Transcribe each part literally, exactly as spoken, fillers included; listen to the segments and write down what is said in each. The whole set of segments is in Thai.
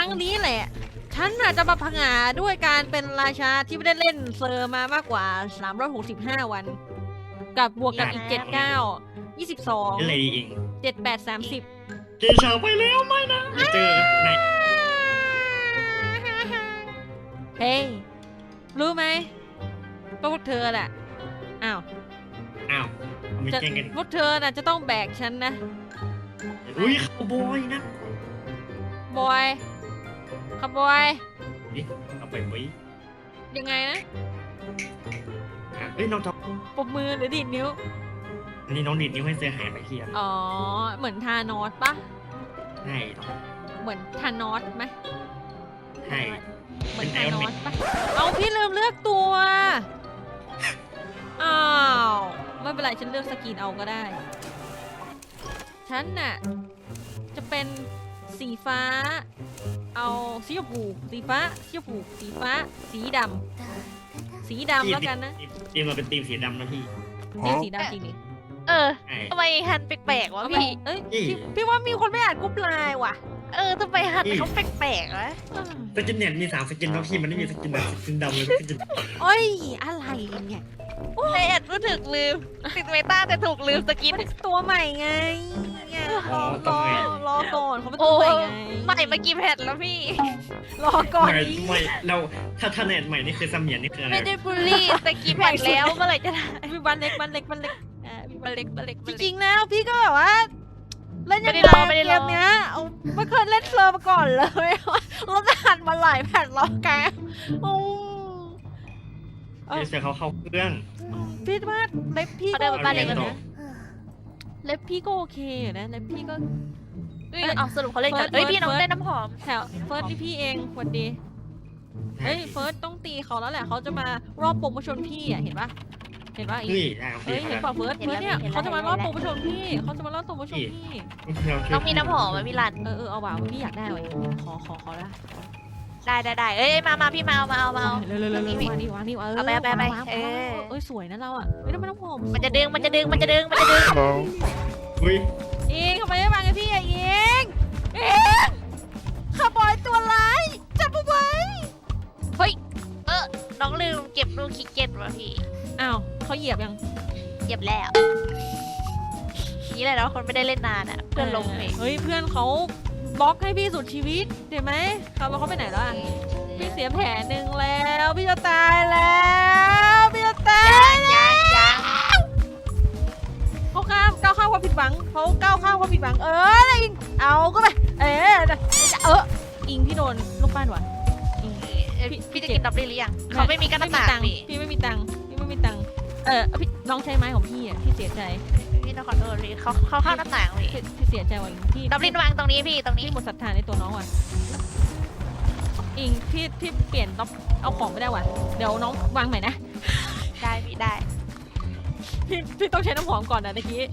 รั้งนี้แหละฉันน่ะจะมาผงาด้วยการเป็นราชาที่ไม่ได้เล่นเซอร์มามากกว่าสามร้อยหกสิบห้าวันกับบวกกับอีกเจ็ด เก้า ยี่สิบสองอะไรดีเองเจ็ด แปด สามสิบเจอชาวไปแล้วไม่นะไม่เจอไหนเฮ้ยรู้ไหมก็พวกเธอแหละอ้าวอ้าวเอาไม่จะแจ้งกันพวกเธอน่ะจะต้องแบกฉันนะอุ้ยคาวบอยนะบอยครับบอยนี่เอาไปไว้ยังไงนะอ่ะเอ้ยน้องท็อปปมมือหรือดีดนิ้วอันนี้น้องดิดนิ้วให้เสือหายไปเทียนอ๋อ เหมือนทานอสปะใช่น้องเหมือนทานอสไหมใช่เหมือนทานอสปะเอาพี่ลืมเลือกตัว อ้าว ไม่เป็นไรฉันเลือกสกินเอาก็ได้ ฉันน่ะ จะเป็นสีฟ้า เอาสีชมพูสีฟ้าสีชมพูสีฟ้า สีดำ สีดำแล้วกันนะทีมเราเป็นทีมสีดำนะพี่นี่สีดำจริงดิเออใช่ทำไมฮันแปลกๆวะเอาไปพี่เอ้ยพี่พี่พี่ว่ามีคนไม่อ่านกรุ๊ปไลน์ว่ะเออทำไมฮันเขาแปลกๆวะสกินเนี่ยมีสามสกินแล้วพี่มันไม่มีสกินแบบสกินดำเลยสกินโอ้ย อะไรเนี่ยในแอดรู้ถึกลืมติดเมตาแต่ถูกลืมสกินมันตัวใหม่ไงเนี่ยรอ๋ออต้รองอไงรอก่อนเขาเป็นโอ้ตัวใหม่ไงใหม่มากี่แผ่นแล้วพี่รอก่อนไม่ดิไม่เราถ้าถ้าเน็ตใหม่นี่คือเสมียนนี่คืออะไรไม่ได้บูลลี่แต่กี่แผ่นแล้วเมื่อไหร่จะได้มีบันเล็กบันเล็กบันเล็กอ่ามีบัมาน เล็กมาเล็กจมาเล็กริงๆแล้วพี่ก็แบบว่าเล่นยังไม่ไงได้รอไม่ได้เกรอมเนี้ยเอาไม่เคยเล่นเซอร์มาก่อนเลยเราจะหันมาหลายแผ่นแล้วแกโอ้เอเสือเขาเข้าเครื่องพี่ว่าเล็บพี่เขาก็เดินมาบ้านเล็กอากันเรียนะต่อเล็บพี่ก็โอเคอยู่นะเล็บพี่ก็เอ้ยเอาสรุปเขาเล่นกันเฟิร์สเอ้ยพี่น้องเฟิร์สได้น้ำหอมแถวเฟิร์สนี่พี่เองสวัสดี เฮ้ยเฟิร์สต้องตีเขาแล้วแหละเขาจะมารอบโปรโมชั่นพี่อ่ะเห็นปะเห็นปะอีเฮ้ยอ่ะเฮ้ยเห็นปะเฟิร์สเฟิร์สเนี่ยเขาจะมารอบโปรโมชั่นพี่เขาจะมารอบโปรโมชั่นพี่น้องมีน้ำหอมไหมพี่รันเออเออเอาว่ะพี่อยากได้ว่ะขอขอขอละได้ได้ได้เอ้ยมามาพี่มาเอามาเอามาเอาเร็วเร็วเร็วเร็ววางนี่วางนี่เออเอาไปเอาไปเอาไปวางวางเออเอ้ยสวยนะเราอ่ะไม่ต้องไม่ต้องหอมมันจะดึงมันจะดึงมันจะดึงมันจะดึงเฮ้ยเองทำไมไม่วางกับพี่อ่ะเองเองขบอยตัวร้ายจับเอาไว้เฮ้ยเออน้องลืมเก็บลูกคิกเก็ตว่ะพี่อ้าวเขาเหยียบยังเก็บแล้วนี่แหละเนาะคนไม่ได้เล่นนานอ่ะเพื่อนลงเองเฮ้ยเพื่อนเขาบล็อกให้พี่สุดชีวิตเห็นไหมเขาแล้วเขาไปไหนแล้วอ่ะ พี่เสียแผลหนึ่งแล้วพี่จะตายแล้วพี่จะตายแล้วยังยังเขาข้ามก้าวข้ามความผิดหวังเขาก้าวข้ามความผิดหวังเออนะอิงเอาก็ไปเออเอออิงพี่โดนลูกปั้นว่ะอิงเอ้ยพี่จะกินดับเบิลหรือยังเขาไม่มีกันไม่น้ำมีตาตังค์พี่พี่ไม่มีตังค์พี่ไม่มีตังค์เออพี่น้องใช้ไม้ของพี่อ่ะพี่เสียใจพี่ต้องขอโทษพี่เขาเขาเข้าหน้าต่างพี่พี่พี่เสียใจว่ะอิงพี่ดับลินวางตรงนี้พี่ตรงนี้พี่หมดศรัทธาในตัวน้องว่ะอิงพี่พี่เปลี่ยนต้องเอาของไม่ได้ว่ะเดี๋ยวน้องวางใหม่นะได้พี่ได้พี่พี่ต้องใช้น้ำหอมก่อนนะตะกี้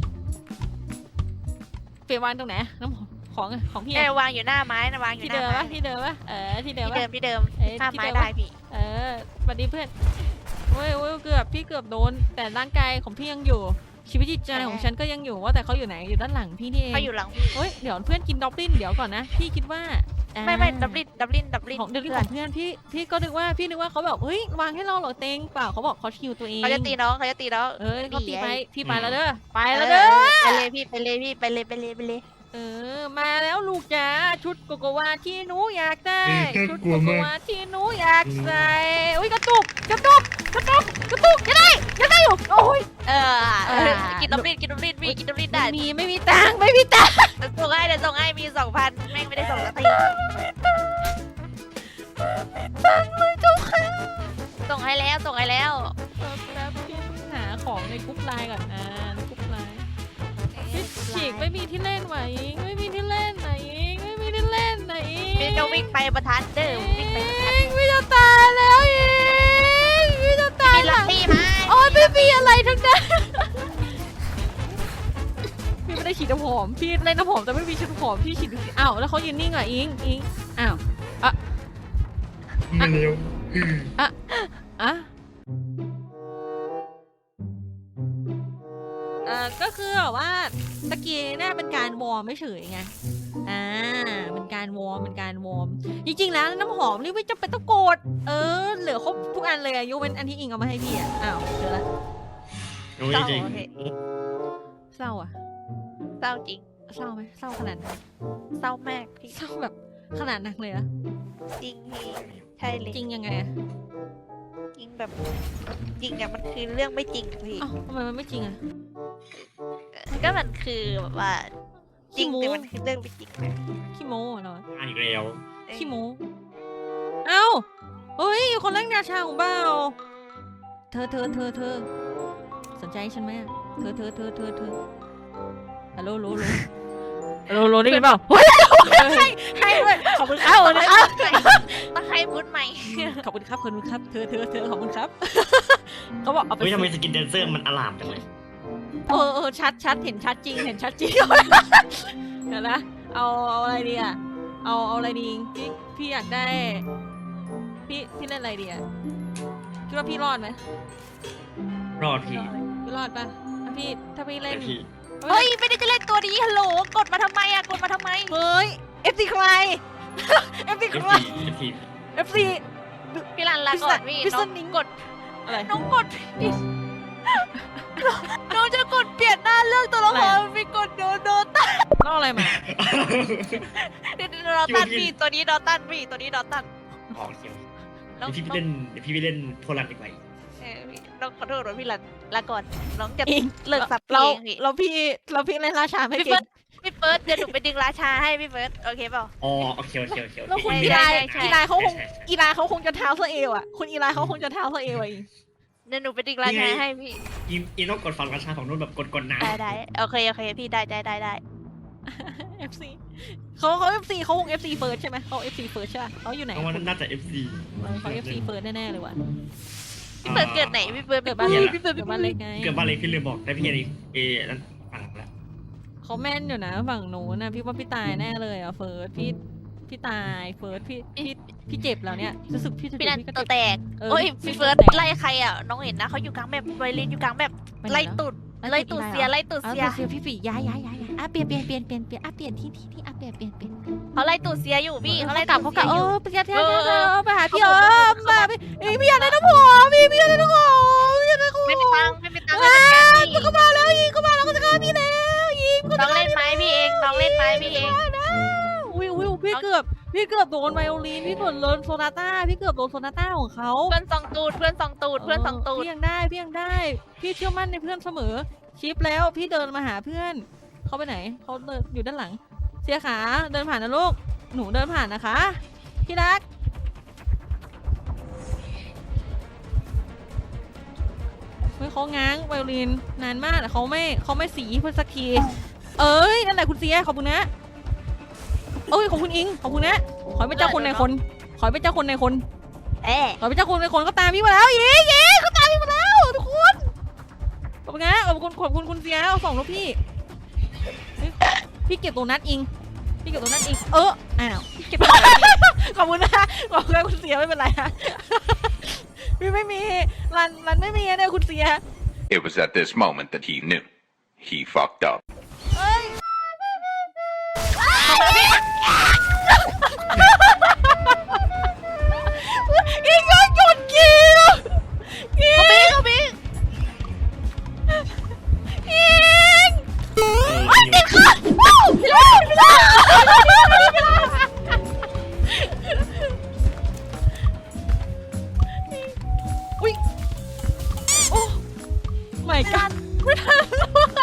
เปลี่ยนวางตรงไหนน้ำหอมของของพี่เออะอวางอยู่หน้าไม้นะวางอยู่ที่หน้าเดิมไม้ปะที่เดิมปะเออที่เดิมที่ปะเดิมที่เดิมเอ้ยหน้าที่ไม้เดิมได้พี่เออสวัสดีเพื่อนเว้ยเว้ยเกือบพี่เกือบโดน แต่ร่างกายของพี่ยังอยู่ ชีวิตจิตใจของฉันก็ยังอยู่ว่าแต่เขาอยู่ไหนอยู่ด้านหลังพี่นี่เองเขาอยู่หลังพี่เฮ้ยเดี๋ยวเพื่อนกินดอบลินเดี๋ยวก่อนนะพี่คิดว่าอ่าไม่ไม่ดับลินดับลินดับลินของเดี๋ยวของเพื่อนพี่พี่ก็นึกว่าพี่นึกว่าเขาแบบเฮ้ยวางให้เราเหรอเต็งเปล่าเขาบอกเขาชิวตัวเองเขาจะตีน้องเขาจะตีน้องเอ้ยเขาตีไปดีไอ้พี่ไปแล้วเด้อไปแล้วเด้อไปเลยพี่ไปเลยพี่ไปเลยไปเลยไปเลยเออมาแล้วลูกจ๋าชุดโกโกวาที่หนูอยากได้ชุดโกโกวาที่หนูอยากใส่อุ้ยกระตุกกระตุกกระตุกกระตุกยังได้ยังได้อยู่โอ้ยเออเออกินดับลินกินดับลินพี่กินดับลินได้ไม่มีไม่มีตังค์ไม่มีตังค์เดี๋ยวส่งให้เดี๋ยวส่งให้มีสองพันแม่งไม่ได้ส่งสักทีตังค์เลยเจ้าค่ะส่งให้แล้วส่งให้แล้วแล้วพี่หาของในกรุ๊ปไลน์ก่อนอ่าในกรุ๊ปไลน์พี่ฉีกไม่มีที่เล่นไหวอิงไม่มีที่เล่นไหนอิงไม่มีที่เล่นไหนอิงพี่จะวิ่งไปประทัดเด้อวิ่งไปประทัดอิงพี่จะตายแล้วอิงพี่จะตายมีหลัลักงพี่มาโอ้ยไม่มีอะไรทั้งนั้น พี่ไม่ได้ฉีดน้ำหอม พี่เล่นน้ำหอมแต่ไม่มีฉีดน้ำหอม พี่ฉีดอ้าวแล้วเขายืนนิ่งอ่ะอิงอิงอ้าวมาเร็วอ่ะเอ่อก็คือแบบว่าตะกี้เนี่ยเป็นการวอร์มไม่เฉยไง อ่าเป็นเป็นการวอร์มเป็นการวอร์มจริงๆแล้วน้ำหอมนี่ไม่จำเป็นต้องกดเออเหลือครบทุกอันเลยอะยกเว้นอันที่อิงเอามาให้พี่อะอ้าวเจอละโอ้ยจริงเศร้าอะเศร้าจริงเศร้าไหมเศร้าขนาดไหนเศร้ามากพี่เศร้าแบบขนาดหนักเลยอะจริงพี่ใช่เลยจริงยังไงอะจริงแบบจริงอะมันคือเรื่องไม่จริงพี่อ้าวทำไมมันไม่จริงอะก็มันคือแบบว่าจริงขี้โม้แต่มันคือเรื่องไม่จริงนะขี้โม้เหรออ่านอีกแล้วเออขี้โม้เอ้าเฮ้ยคนแรกนาชาของเบ้าเธอเธอเธอเธอสนใจฉันไหมอะเธอเธอเธอเธอเธอฮัลโหลโหลโหลฮัลโหลโหลได้ยินเปล่าเฮ้ยให้ให้ด้วยขอบคุณครับขอบคุณครับตะไคร้พูดใหม่ขอบคุณครับขอบคุณครับเธอเธอเธอขอบคุณครับเขาบอกเอาไปเฮ้ยทำไมสิสกินแดนเซอร์มันอลามจังเลยเออเออชัดชัดเห็นชัดจริงเห็นชัดจริง เดี๋ยวนะเอาเอาอะไรดีอ่ะเอาเอาอะไรดีพี่พี่อยากได้ พี่พี่เล่นอะไรดีอ่ะคิดว่าพี่รอดไหมรอดพี่พี่รอดปะถ้าพี่ถ้าพี่เล่แต่นพี่เฮ้ยไม่ได้จะเล่นตัวนี้ฮัลโหลกดมาทำไมอะกดมาทำไมเฮ้ยเอฟซีใคร เอฟซีเอใคฟรซีเอฟซีเอฟซีพี่รันลาก่อนพี่พิษน้องนิงกดอะไรน้องกดผิดน้องจะกดเปลี่ยนหน้าเรื่องตัวละครไปกดโดนโดตันน้องอะไรมาเดี๋ยวโดตันพี่ตัวนี้โดตันพี่ตัวนี้โดตันออกเขียวน้องเดี๋ยวพี่ไปเล่นเดี๋ยวพี่ไปเล่นโทรันดีกว่าเออพี่น้องขอโทษนะพี่รันลาก่อนน้องจะอิงเลิกสับเราเองพี่เราพี่เราพี่เล่นราชาไม่พี่เก่เฟิร์งสพี่เฟิร์สเดี๋ยวหนูไปดึงราชาให้พี่เฟิร์สโอเคเปล่าอ๋อโอเคโอเคโอเคโอแล้วเคคุณใช่อีใช่ไลใช่อีไลเขาคงใช่ใช่อีไลเขาคงจะเท้าสะเอวอ่ะคุณอีไลเขาคงจะเท้าสะเอวอ่ะอิงเดี๋ยวหนูไปดึงราชาให้พี่อีอีต้องกดฟังราชาของนุ่นแบบกดกดน้ำได้ได้โอเคโอเคพี่ได้ได้ได้ได้เอฟซีเขาเขาเอฟซีเขาคงเอฟซีเฟิร์สใช่ไหมเขาเอฟซีเฟิร์สใช่ปะเขาอยู่ไหนเพราะว่าน่าจะ เอฟ ซีเออเขาเอฟซีเฟิร์สแน่ๆเลยว่ะพี่เฟิร์สเกิดไหนพี่เฟิร์สเกิดบ้านเล็กพี่เฟิร์สเกิดบ้านเล็กไงเกือบบ้านเล็กพี่เลยบอกได้พี่อะไรเอนั่นฟังแล้วเขาแม่นอยู่นะฝั่งหนูนะพี่ว่าพี่ตายแน่เลยอ่ะเฟิร์สพี่พี่ตายเฟิร์สพี่พี่พี่เจ็บแล้วเนี่ยรู้สึกพี่จะพี่เจ็นับนพี่ก็ตัวเจ็บแตกเออโอ้ยพี่พี่เฟิร์สตัวแตกไล่ใครอ่ะน้องเห็นนะเขาอยู่กลางแบบไวเลนอยู่กลางแบบไปไหนไล่แล้วตุดไล่ไล่ตุตุดดอีเสียไลน์เหรอไล่ตุดอ่ะเสียเสียพี่ฝีย้ายย้ายย้ายย้ายอ่ะเปลี่ยนเปลี่ยนเปลี่ยนเปลี่ยนเปลี่ยนอ่ะเปลี่ยนที่ที่ที่อ่ะเปลี่ยนเปลี่ยนเปลี่ยนเขาไล่ตุดเสียอยู่พี่เขาไล่กลับตุเขาดกลับเอเสียอยู่อไปเที่ยวเที่ยวเออเที่ยวเออไปหาพี่เขาเอิบอกมมาพี่เอ้ยพี่อยากได้น้ำหอมพี่พี่อยากได้น้ำหอมพี่อยากได้น้ำหอมไม่มีตังค์ไม่มีตังค์ว้าเลยวเขามาแล้วยิงเขามาแล้วเขาจะฆ่าพี่แล้วยิงเขาน้จะองเล่นไม้พี่เองน้องเล่นไม้พี่เองอุ้ยอุ้ยพี่เกือบพี่เกือบโดนไวโอลินพี่เกือบโดนโซนาต้าพี่เกือบโดนโซนาต้าของเขาเพื่อนสองตูดเพื่อนสองตูดเพื่อนสองตูดพี่ยังได้พี่ยังได้ พี่เชื่อมั่นในเพื่อนเสมอชิปแล้วพี่เดินมาหาเพื่อนเขาไปไหนเขาเดินอยู่ด้านหลัง เสียขาเดินผ่านนะลูกหนูเดินผ่านนะคะพี่รักเฮ้ยเขาง้างไวโอลินนานมากแต่เขาไม่เขาไม่สีเพื่อสักทีเอ้ยนั่นแหละคุณเสียขอบคุณนะเอ้ยขอบคุณอิงขอบคุณนะขอให้เป็นเจ้าคนในคนขอให้เป็นเจ้าคนในคนเอ๊ะขอเป็นเจ้าคนในคนก็ตามพี่มาแล้วอิงอิงเขาตามพี่มาแล้วทุกคนขอบคุณนะขอบคุณขอบคุณคุณเสียเอาสองลูกพี่เฮ้ยพี่เก็บตัวนัดอิงพี่เก็บตัวนัดอิงเอออ้าวพี่เก็บตัวนัดอิงขอบคุณนะขอบคุณนะคุณเสียไม่เป็นไรนะพี่ไม่มีรันรันไม่มีนะเนี่ยคุณเสีย It was at this moment that he knew. He fucked up. เอ้ยอิงก็หยุดกินอิงเขาบิ๊กเขาบิ๊กอิงเออไอ้ติดขาว้าวว้าวว้าวอุ้ยโอ้ไม่กันไม่ทัน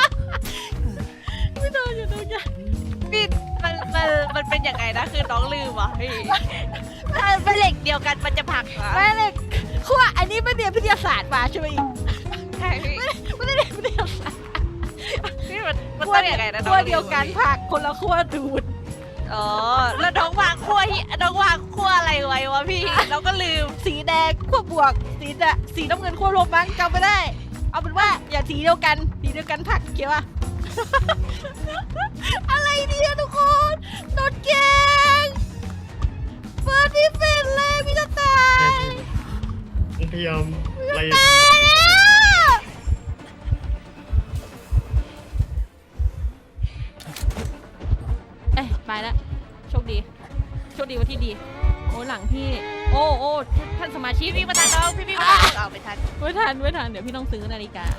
ไม่ทันอยู่ตรงนี้พี่มันมันมันเป็นยังไงนะคือน้องลืมอ่ะพี่ถ้าเป็นเหล็กเดียวกันมันจะผลักเหรอแม่เลยคือว่าอันนี้ไม่เรียนวิทยาศาสตร์มาใช่ไหมใช่พี่ไม่ได้เรียนวิทยาศาสตร์พี่มันมันต้องยังไงนะน้องขั้วลืมเดียวกันอะพี่ผักคนละขั้วดูดอ๋อแล้วน้องวางขั้วที่น้องวางขั้วอะไรไว้วะพี่เราก็ลืมสีแดงขั้วบวก สีแดงสีน้ำเงินขั้วลบมั้งจำไม่ได้ เอาเป็นว่าอย่าสีเดียวกันสีเดียวกันผักเขียวอะ อะไรเนี่ยทุกคนโดนแกงเฟิร์สพี่เป็นเลยพี่จะตายพยายามไล่ตายแล้วเอ้ยไปแล้วโชคดีโชคดีวันที่ดีโอ้หลังพี่โอ้โอ้ท่านสมาชิกพี่พี่มาทันน้องพี่พี่มาทันเอาไปทันไม่ทันไม่ทันเดี๋ยวพี่ต้องซื้อนาฬิกา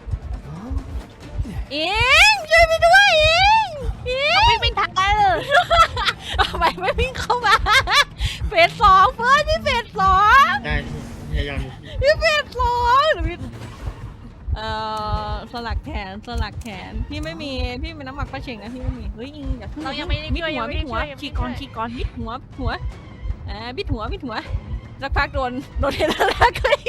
อิงช่วยพี่ด้วยอิงอิงพี่ไม่ทันเลยทำไมไม่วิ่งเข้ามาเฟสสองเฟิร์สพี่เฟสสองได้พยายามพี่เฟสสองเดี๋ยวพี่เอ่อสลักแขนสลักแขนพี่ไม่มีพี่เป็นน้ำหมักปลาเชงนะพี่ไม่มีเฮ้ยอิงอย่าพึ่งเรายังไม่ได้มิดช่วยหัยัวงไม่มิได้ดหัช่ววยยังฉีไม่กก่อนได้ฉีกก่อนมิดหัวหัวอ่ามิดหัวมิดหัวสักพักโดนโดนเทเลอร์แล้วก็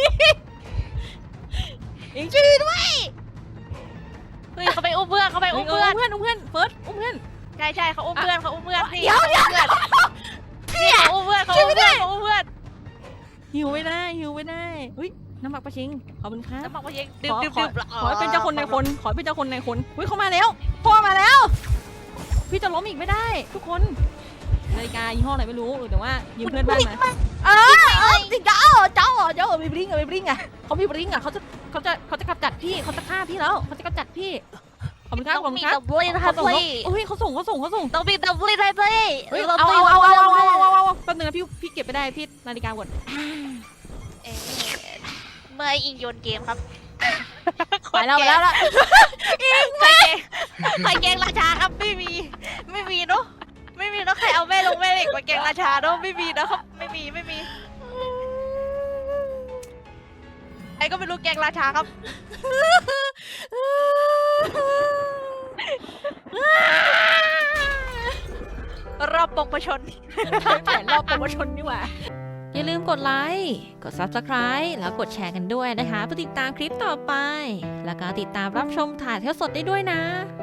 อิงช่วยด้วยเฮ้ยเขาไปอุ้มเพื่อนเขาไปอุ้มเพื่เพื่ออน นอุ้มเพื่อนอุ้มเพื่อนเฟิร์สอุ้มเพื่อนใช่ใช่เขาอุ้มเพื่อนเขาอุ้มเพื่อนพี่เดี๋ยวเดี๋ยวเพื่อนพี่เขาอุ้มเพื่อนเขาอุ้มเพื่อนเขาอุ้มเพื่อนหิวไม่ได้หิวไม่ได้เฮ้ยน้ำหมักปลาเชงขอบคุณครับแล้วบอกว่ายังดื่มขอดื่มขอดื่มขอให้เป็นเจ้าคนในคนขอให้เป็นเจ้าคนในคนเฮ้ยเขามาแล้วพ่อมาแล้ว พี่จะล้มอีกไม่ได้ ทุกคนนาฬิกายี่ห้ออะไรไม่รู้แต่ว่ายืมเพื่อนบ้านมาเออเออจริงเจ้าเจ้าเจ้ามีบริงอะมีบริงอะเขามีบริงอะเขาจะเขาจะเขาจะกำจัดพี่เขาจะฆ่าพี่แล้วเขาจะกำจัดพี่ขอบคุณครับขอบต้องคุมีณครับดับเบิลนะเขาคะส่งพี่เฮ้ยเขาส่งเขาส่งเขาส่งต้องมีดับเบิลนะพี่เฮ้ยเอาเอาเอาเอาเอาเอาเอาเอาแป๊บนึงนะพี่พี่เก็บไปได้พี่นาฬิกาหมดเอ่อเมื่ออิงโยนเกมครับไปแล้วไปแล้วละใครเกงใครเกงราชาครับไม่มี ไม่มีเนาะไม่มีเนาะใครเอาแม่ลงแม่เหล็กมาเกงราชาเนาะไม่มีนะครับไม่มีไม่มีใครก็ไม่รู้เกงราชาครับรอบปงประชนแผนรอบโปรโมชั่นนี่หว่าอย่าลืมกดไลค์กด ซับสไครบ์ แล้วกดแชร์กันด้วยนะคะเพื่อติดตามคลิปต่อไป แล้วก็ติดตามรับชมถ่ายทอดสดได้ด้วยนะ